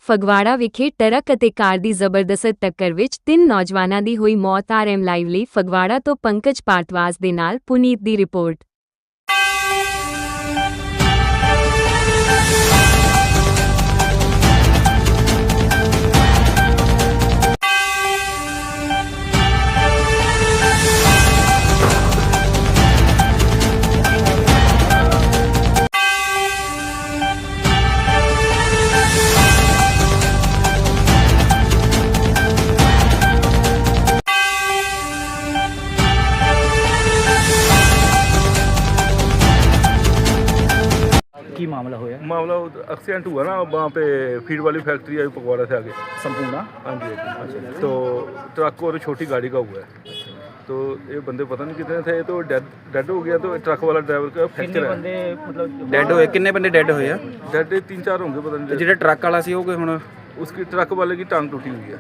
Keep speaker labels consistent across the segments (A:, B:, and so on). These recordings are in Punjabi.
A: ਫਗਵਾੜਾ ਵਿਖੇ ਟਰੱਕ ਅਤੇ ਕਾਰ ਦੀ ਜ਼ਬਰਦਸਤ ਟੱਕਰ ਵਿੱਚ 3 ਨੌਜਵਾਨਾਂ ਦੀ ਹੋਈ ਮੌਤ। RM ਲਾਈਵ ਲਈ ਫਗਵਾੜਾ ਤੋਂ ਪੰਕਜ ਭਾਰਤਵਾਜ ਦੇ ਨਾਲ ਪੁਨੀਤ ਦੀ ਰਿਪੋਰਟ।
B: की मामला हुआ?
C: मामला एक्सीडेंट हुआ ना वहाँ पे फीड वाली फैक्ट्री है फगवाड़ा से आगे
B: संपूर्ण।
C: हाँ जी। तो ट्रक और छोटी गाड़ी का हुआ है। तो ये बंदे पता नहीं कितने थे, तो डेड हो गया। तो ट्रक वाला ड्राइवर का फ्रैक्चर है।
B: मतलब डेड हुए कितने बंदे डेड हुए?
C: डेड 3-4 होंगे पता नहीं।
B: जो ट्रक वाला सी हुण
C: उसकी ट्रक वाले की टांग टूटी हुई है।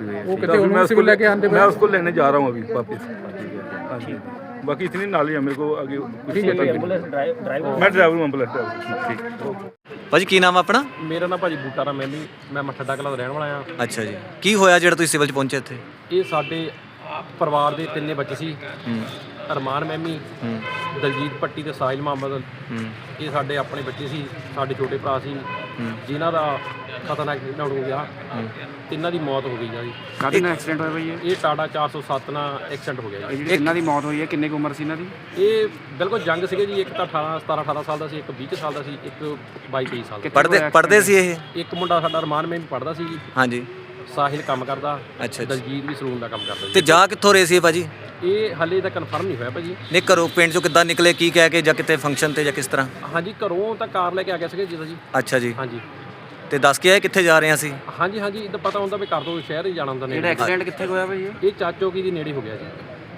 C: मैं उसको लेने जा रहा हूँ अभी वापस। हाँ जी। बाकी इतनी नाली है मेरे को आगे कुछ पता नहीं। मैं ड्राइवर हूँ एंबुलेंस ड्राइवर।
D: ਭਾਜੀ ਕੀ ਨਾਮ ਆਪਣਾ?
E: ਮੇਰਾ ਨਾਮ ਭਾਜੀ ਬੂਟਾ ਰਾਮ ਮੈਮੀ, ਮੈਂ ਮੱਠਾ ਕਲਾਂ ਦਾ ਰਹਿਣ ਵਾਲਾ ਆ।
D: ਅੱਛਾ ਜੀ, ਕੀ ਹੋਇਆ ਜਿਹੜਾ ਤੁਸੀਂ ਸਿਵਲ 'ਚ ਪਹੁੰਚੇ ਇੱਥੇ?
E: ਇਹ ਸਾਡੇ ਪਰਿਵਾਰ ਦੇ 3 ਬੱਚੇ ਸੀ। ਅਰਮਾਨ ਮੈਮੀ, ਦਲਜੀਤ ਪੱਟੀ ਤੇ ਸਾਹਿਲ ਮੁਹੰਮਦ। ਇਹ ਸਾਡੇ ਆਪਣੇ ਬੱਚੇ ਸੀ, ਸਾਡੇ ਛੋਟੇ ਭਰਾ ਸੀ ਜਿਨ੍ਹਾਂ ਦਾ ਖਤਰਨਾਕ ਐਕਸੀਡੈਂਟ ਹੋ ਗਿਆ। ਤਿੰਨਾਂ ਦੀ ਮੌਤ ਹੋ ਗਈ ਆ ਜੀ।
B: ਕਾਹਦੇ ਨਾਲ ਐਕਸੀਡੈਂਟ ਹੋਇਆ ਬਈ?
E: ਇਹ ਟਾਟਾ 407 ਨਾਲ ਐਕਸੀਡੈਂਟ ਹੋ ਗਿਆ ਜੀ।
B: ਇਹਨਾਂ ਦੀ ਮੌਤ ਹੋਈ ਹੈ, ਕਿੰਨੇ ਕੁ ਉਮਰ ਸੀ ਇਹਨਾਂ ਦੀ?
E: ਇਹ ਬਿਲਕੁਲ ਜੰਗ ਸੀਗੇ ਜੀ। ਇੱਕ ਤਾਂ 17-18 ਸਾਲ ਦਾ ਸੀ, ਇੱਕ 20 ਸਾਲ ਦਾ ਸੀ, ਇੱਕ 22-23 ਸਾਲ ਦਾ।
D: ਪੜ੍ਹਦੇ ਸੀ ਇਹ?
E: ਇੱਕ ਮੁੰਡਾ ਸਾਡਾ ਅਰਮਾਨ ਮੈਮੀ ਪੜ੍ਹਦਾ ਸੀ ਜੀ।
D: ਹਾਂਜੀ।
E: ਸਾਹਿਲ ਕੰਮ ਕਰਦਾ।
D: ਅੱਛਾ।
E: ਦਲਜੀਤ ਵੀ ਸਲੂਨ ਦਾ ਕੰਮ ਕਰਦਾ ਜੀ।
D: ਤੇ ਜਾ ਕਿੱਥੋਂ ਰਹੇ ਸੀ ਭਾਜੀ?
E: ਇਹ ਹਲੇ ਤਾਂ ਕਨਫਰਮ ਨਹੀਂ ਹੋਇਆ ਭਾਜੀ।
D: ਨਹੀਂ, ਘਰੋਂ ਪਿੰਡ 'ਚੋਂ ਕਿੱਦਾਂ ਨਿਕਲੇ, ਕੀ ਕਹਿ ਕੇ, ਜਾਂ ਕਿਤੇ ਫੰਕਸ਼ਨ ਤੇ ਜਾਂ ਕਿਸ ਤਰ੍ਹਾਂ?
E: ਹਾਂਜੀ, ਘਰੋਂ ਤਾਂ ਕਾਰ ਲੈ ਕੇ ਆ ਗਿਆ ਸੀਗਾ ਜੀ।
D: ਅੱਛਾ ਜੀ।
E: ਹਾਂਜੀ।
D: ਤੇ ਦੱਸ ਕੇ ਆਏ ਕਿੱਥੇ ਜਾ ਰਹੇ ਹਾਂ ਅਸੀਂ?
E: ਹਾਂਜੀ ਹਾਂਜੀ, ਤਾਂ ਪਤਾ ਹੁੰਦਾ ਵੀ ਘਰ ਤੋਂ ਸ਼ਹਿਰ ਹੀ ਜਾਣਾ ਹੁੰਦਾ ਨੇ।
B: ਜਿਹੜਾ ਐਕਸੀਡੈਂਟ ਕਿੱਥੇ ਹੋਇਆ ਭਾਈ?
E: ਇਹ ਚਾਚੋਕੀ ਦੀ ਨੇੜੇ ਹੋ ਗਿਆ ਜੀ।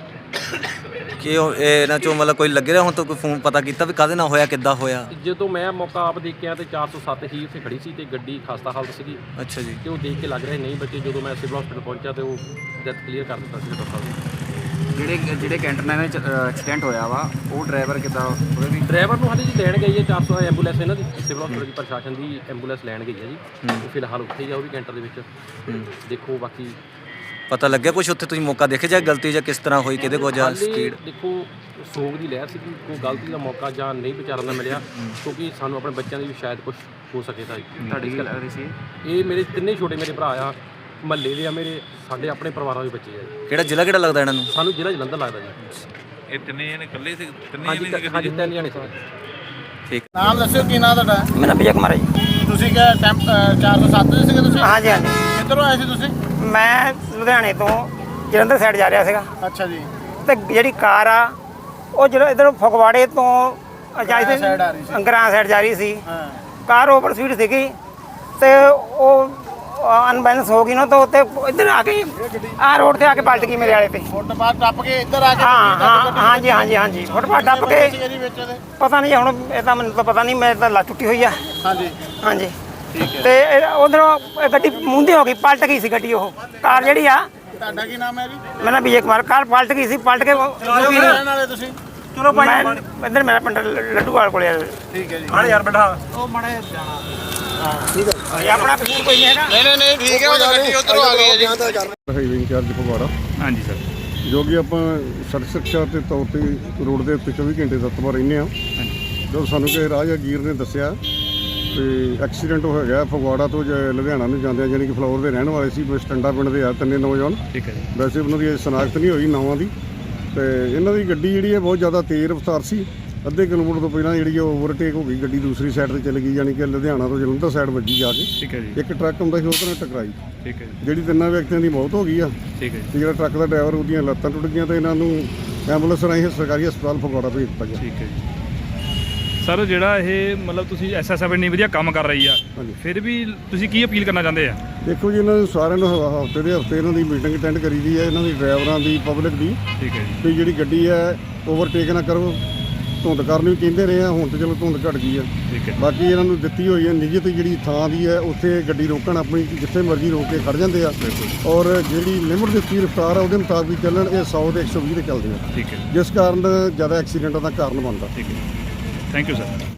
D: ਕੀ ਇਹਨਾਂ 'ਚੋਂ ਮਤਲਬ ਕੋਈ ਲੱਗੇ ਰਿਹਾ ਹੁਣ ਤੋਂ ਕੋਈ ਫੋਨ ਪਤਾ ਕੀਤਾ ਵੀ ਕਾਹਦੇ ਨਾਲ ਹੋਇਆ, ਕਿੱਦਾਂ ਹੋਇਆ?
E: ਜਦੋਂ ਮੈਂ ਮੌਕਾ ਆਪ ਦੇਖਿਆ ਤੇ 407 ਹੀ ਉੱਥੇ ਖੜੀ ਸੀ ਤੇ ਗੱਡੀ ਖਸਤਾ ਹਾਲਤ ਸੀਗੀ।
D: ਅੱਛਾ ਜੀ।
E: ਤੇ ਉਹ ਦੇਖ ਕੇ ਲੱਗ ਰਿਹਾ ਨਹੀਂ ਬੱਚੇ। ਜਦੋਂ ਮੈਂ ਸਿਵਲ ਹਸਪੀਟਲ ਪਹੁੰਚਿਆ ਤੇ ਉਹ ਡੈਥ ਕਲੀਅਰ ਕਰ ਦਿੱਤਾ ਸੀ ਡਾਕਟਰ ਸਾਹਿਬ ਨੇ।
B: ਜਿਹੜੇ ਕੈਂਟਰ ਨਾਲ ਐਕਸੀਡੈਂਟ ਹੋਇਆ ਵਾ, ਉਹ ਡਰਾਈਵਰ ਕਿੱਦਾਂ ਉਹਦੇ ਵੀ?
E: ਡਰਾਈਵਰ ਨੂੰ ਹਾਲੇ ਜੀ ਲੈਣ ਗਈ ਹੈ 400 ਐਂਬੂਲੈਂਸ ਇਹਨਾਂ ਦੀ ਸਿਵਲ ਹਸਪੀਟਲ ਦੀ ਪ੍ਰਸ਼ਾਸਨ ਦੀ ਐਂਬੂਲੈਂਸ ਲੈਣ ਗਈ ਹੈ ਜੀ। ਉਹ ਫਿਲਹਾਲ ਉੱਥੇ ਹੀ ਆ, ਉਹ ਵੀ ਕੈਂਟਰ ਦੇ ਵਿੱਚ। ਦੇਖੋ ਬਾਕੀ
D: ਪਤਾ ਲੱਗਿਆ ਕੁਛ ਉੱਥੇ? ਤੁਸੀਂ ਮੌਕਾ ਦੇਖੇ ਜਾਂ ਗਲਤੀ ਜਾਂ ਕਿਸ ਤਰ੍ਹਾਂ ਹੋਈ, ਕਿਹਦੇ ਕੋਲ ਜਾਂ ਸਪੀਡ?
E: ਦੇਖੋ ਸੋਗ ਦੀ ਲਹਿਰ ਸੀ, ਕੋਈ ਗਲਤੀ ਦਾ ਮੌਕਾ ਜਾਂ ਨਹੀਂ ਵਿਚਾਰਨ ਦਾ ਮਿਲਿਆ, ਕਿਉਂਕਿ ਸਾਨੂੰ ਆਪਣੇ ਬੱਚਿਆਂ ਦੀ ਵੀ ਸ਼ਾਇਦ ਕੁਝ ਹੋ ਸਕੇ। ਤਾਂ
B: ਤੁਹਾਡੀ ਕੀ ਲੱਗਦੀ ਸੀ?
E: ਇਹ ਮੇਰੇ ਤਿੰਨੇ ਛੋਟੇ ਮੇਰੇ ਭਰਾ ਆ, ਮਹੱਲੇ ਦੇ ਆ ਮੇਰੇ, ਸਾਡੇ ਆਪਣੇ ਪਰਿਵਾਰਾਂ ਦੇ ਬੱਚੇ ਆ ਜੀ।
D: ਕਿਹੜਾ ਜ਼ਿਲ੍ਹਾ ਕਿਹੜਾ ਲੱਗਦਾ ਇਹਨਾਂ ਨੂੰ?
E: ਸਾਨੂੰ ਜ਼ਿਲ੍ਹਾ ਜਲੰਧਰ ਲੱਗਦਾ ਜੀ।
C: ਇਹ ਤਿੰਨੇ ਜਣੇ ਇਕੱਲੇ ਸੀ?
E: ਹਾਂਜੀ 3 ਜਣੇ ਸੀ।
D: ਠੀਕ।
F: ਨਾਮ ਦੱਸਿਓ ਕੀ ਨਾਮ ਤੁਹਾਡਾ?
G: ਮੇਰਾ ਵਿਜੇ ਕੁਮਾਰ ਹੈ ਜੀ।
F: ਤੁਸੀਂ ਕਿਹਾ 407 ਦੇ ਸੀਗੇ ਤੁਸੀਂ?
G: ਹਾਂਜੀ ਹਾਂਜੀ।
F: ਕਿੱਧਰੋਂ ਆਏ ਸੀ ਤੁਸੀਂ?
G: ਮੈਂ ਲੁਧਿਆਣੇ ਤੋਂ ਜਲੰਧਰ ਸਾਈਡ ਜਾ ਰਿਹਾ ਸੀਗਾ।
F: ਅੱਛਾ ਜੀ।
G: ਤੇ ਜਿਹੜੀ ਕਾਰ ਆ ਉਹ ਜਦੋਂ ਇੱਧਰੋਂ ਫਗਵਾੜੇ ਤੋਂ
F: side ਆ ਰਹੀ ਸੀ।
G: ਗਰਾਂ ਸਾਈਡ ਜਾ ਰਹੀ ਸੀ।
F: ਹਾਂ।
G: ਕਾਰ ਓਵਰ ਸਪੀਡ ਸੀਗੀ ਤੇ ਉਹ ਅਨਬੈਲੈਂਸ ਹੋ ਗਈ ਨਾ, ਤਾਂ ਉੱਤੇ ਇੱਧਰ ਆ ਕੇ ਆਹ ਰੋਡ ਤੇ ਆ ਕੇ ਪਲਟ ਗਈ ਮੇਰੇ ਵਾਲੇ ਤੇ।
F: ਫੁੱਟਪਾਥ ਟੱਪ ਕੇ ਇੱਧਰ ਆ ਕੇ?
G: ਹਾਂਜੀ ਹਾਂਜੀ ਹਾਂਜੀ, ਫੁੱਟਪਾਥ ਟੱਪ ਕੇ। ਪਤਾ ਨਹੀਂ ਹੁਣ, ਇਹ ਤਾਂ ਮੈਨੂੰ ਤਾਂ ਪਤਾ ਨਹੀਂ, ਮੇਰੇ ਤਾਂ ਲੱਤ ਟੁੱਟੀ ਹੋਈ ਆ।
F: ਹਾਂਜੀ
G: ਹਾਂਜੀ। ਤੇ ਉਧਰੋਂ ਗੱਡੀ ਮੂੰਹਦੀ ਹੋ ਗਈ, ਪਲਟ ਗਈ ਸੀ ਗੱਡੀ। ਉਹ ਕਾਰ ਜਿਹੜੀ ਆ।
F: ਤੁਹਾਡਾ ਕੀ ਨਾਮ ਹੈ ਜੀ?
G: ਮੇਰਾ ਵਿਜੇ ਕੁਮਾਰ। ਕਾਰ ਪਲਟ ਗਈ ਸੀ, ਪਲਟ ਕੇ
F: ਰਹਿਣ ਵਾਲੇ ਤੁਸੀਂ?
G: ਚਲੋ ਭਾਈ ਇੱਧਰ ਮੇਰਾ ਪਿੰਡ ਲੱਡੂਵਾਲ ਕੋਲੇ।
F: ਠੀਕ ਹੈ ਜੀ।
G: ਹਾਂ ਯਾਰ ਬੈਠਾ ਉਹ ਮਾੜਾ ਜਾਣਾ। ਹਾਂ ਠੀਕ ਹੈ। ਆਪਣਾ ਕਸੂਰ ਕੋਈ ਨਹੀਂ ਹੈਗਾ।
F: ਨਹੀਂ ਠੀਕ ਹੈ, ਉਹ ਗੱਡੀ ਉਧਰੋਂ ਆ ਗਈ ਹੈ ਜੀ।
H: Highway incharge Phagwara.
E: ਹਾਂਜੀ ਸਰ।
H: ਜੋ ਕਿ ਆਪਾਂ ਸੜਕ ਸੁਰੱਖਿਆ ਦੇ ਤੌਰ ਤੇ ਰੋਡ ਦੇ ਉੱਤੇ 24 ਘੰਟੇ ਤੱਤਵਾ ਰਹਿੰਦੇ ਹਾਂ। ਜਦੋਂ ਸਾਨੂੰ ਕਿ ਰਾਹਗੀਰ ਨੇ ਦੱਸਿਆ ਕਿ ਐਕਸੀਡੈਂਟ ਹੋ ਗਿਆ ਫਗਵਾੜਾ ਤੋਂ ਲੁਧਿਆਣਾ ਨੂੰ ਜਾਂਦੇ, ਯਾਨੀ ਕਿ ਫਲੋਰ ਦੇ ਰਹਿਣ ਵਾਲੇ ਸੀ, ਸਟੰਡਾ ਪਿੰਡ ਦੇ ਆ 3 ਨੌਜਵਾਨ।
E: ਠੀਕ ਹੈ ਜੀ।
H: ਵੈਸੇ ਉਹਨਾਂ ਦੀ ਸ਼ਨਾਖਤ ਨਹੀਂ ਹੋਈ ਨਾਵਾਂ ਦੀ। ਤੇ ਇਹਨਾਂ ਦੀ ਗੱਡੀ ਜਿਹੜੀ ਹੈ ਬਹੁਤ ਜ਼ਿਆਦਾ ਤੇਜ਼ ਰਫ਼ਤਾਰ ਸੀ। ਅੱਧੇ ਕਿਲੋਮੀਟਰ ਤੋਂ ਪਹਿਲਾਂ ਜਿਹੜੀ ਓਵਰਟੇਕ ਹੋ ਗਈ, ਗੱਡੀ ਦੂਸਰੀ ਸਾਈਡ ਤੇ ਚਲੀ ਗਈ, ਯਾਨੀ ਕਿ ਲੁਧਿਆਣਾ ਤੋਂ ਜਲੰਧਰ ਸਾਈਡ ਵੱਜੀ ਜਾ ਕੇ।
E: ਠੀਕ ਹੈ ਜੀ।
H: ਇੱਕ ਟਰੱਕ ਹੁੰਦਾ ਸੀ, ਉਹਦੇ ਨਾਲ ਟਕਰਾਈ।
E: ਠੀਕ ਹੈ ਜੀ।
H: ਜਿਹੜੀ 3 ਵਿਅਕਤੀਆਂ ਦੀ ਮੌਤ ਹੋ ਗਈ ਆ।
E: ਠੀਕ ਹੈ ਜੀ।
H: ਤੇ ਜਿਹੜਾ ਟਰੱਕ ਦਾ ਡਰਾਈਵਰ, ਉਹਦੀਆਂ ਲੱਤਾਂ ਟੁੱਟ ਗਈਆਂ ਤੇ ਇਹਨਾਂ ਨੂੰ ਐਂਬੂਲੈਂਸ ਰਾਹੀਂ ਸਰਕਾਰੀ ਹਸਪਤਾਲ ਫਗਵਾੜਾ ਭੇਜ ਦਿੱਤਾ ਗਿਆ।
E: ਠੀਕ ਹੈ ਜੀ। ਸਰ ਜਿਹੜਾ ਇਹ ਮਤਲਬ ਤੁਸੀਂ SSF ਇੰਨੀ ਵਧੀਆ ਕੰਮ ਕਰ ਰਹੀ ਆ, ਫਿਰ ਵੀ ਤੁਸੀਂ ਕੀ ਅਪੀਲ ਕਰਨਾ ਚਾਹੁੰਦੇ ਆ?
H: ਦੇਖੋ ਜੀ, ਇਹਨਾਂ ਨੂੰ ਸਾਰਿਆਂ ਨੂੰ ਹਫ਼ਤੇ ਦੇ ਹਫ਼ਤੇ ਇਹਨਾਂ ਦੀ ਮੀਟਿੰਗ ਅਟੈਂਡ ਕਰੀ ਦੀ ਹੈ, ਇਹਨਾਂ ਦੀ ਡਰਾਈਵਰਾਂ ਦੀ, ਪਬਲਿਕ ਦੀ।
E: ਠੀਕ ਹੈ ਜੀ।
H: ਵੀ ਜਿਹੜੀ ਗੱਡੀ ਹੈ ਓਵਰਟੇਕ ਨਾ ਕਰੋ। ਧੁੰਦ ਕਰਨ ਵੀ ਕਹਿੰਦੇ ਰਹੇ ਆ, ਹੁਣ ਤਾਂ ਚਲੋ ਧੁੰਦ ਘਟ ਗਈ ਆ।
E: ਠੀਕ ਹੈ।
H: ਬਾਕੀ ਇਹਨਾਂ ਨੂੰ ਦਿੱਤੀ ਹੋਈ ਹੈ ਨਿਯਤ ਜਿਹੜੀ ਥਾਂ ਦੀ ਹੈ, ਉੱਥੇ ਗੱਡੀ ਰੋਕਣ, ਆਪਣੀ ਜਿੱਥੇ ਮਰਜ਼ੀ ਰੋਕ ਕੇ ਖੜ ਜਾਂਦੇ ਆ। ਔਰ ਜਿਹੜੀ ਲਿਮਟ ਦਿੱਤੀ ਰਫ਼ਤਾਰ ਆ ਉਹਦੇ ਮੁਤਾਬਿਕ ਚੱਲਣ। ਇਹ 100 ਤੇ 120 ਤੇ ਚੱਲਦੇ ਆ।
E: ਠੀਕ ਹੈ।
H: ਜਿਸ ਕਾਰਨ ਜ਼ਿਆਦਾ ਐਕਸੀਡੈਂਟਾਂ ਦਾ ਕਾਰਨ ਬਣਦਾ।
E: ਠੀਕ ਹੈ। Thank you sir.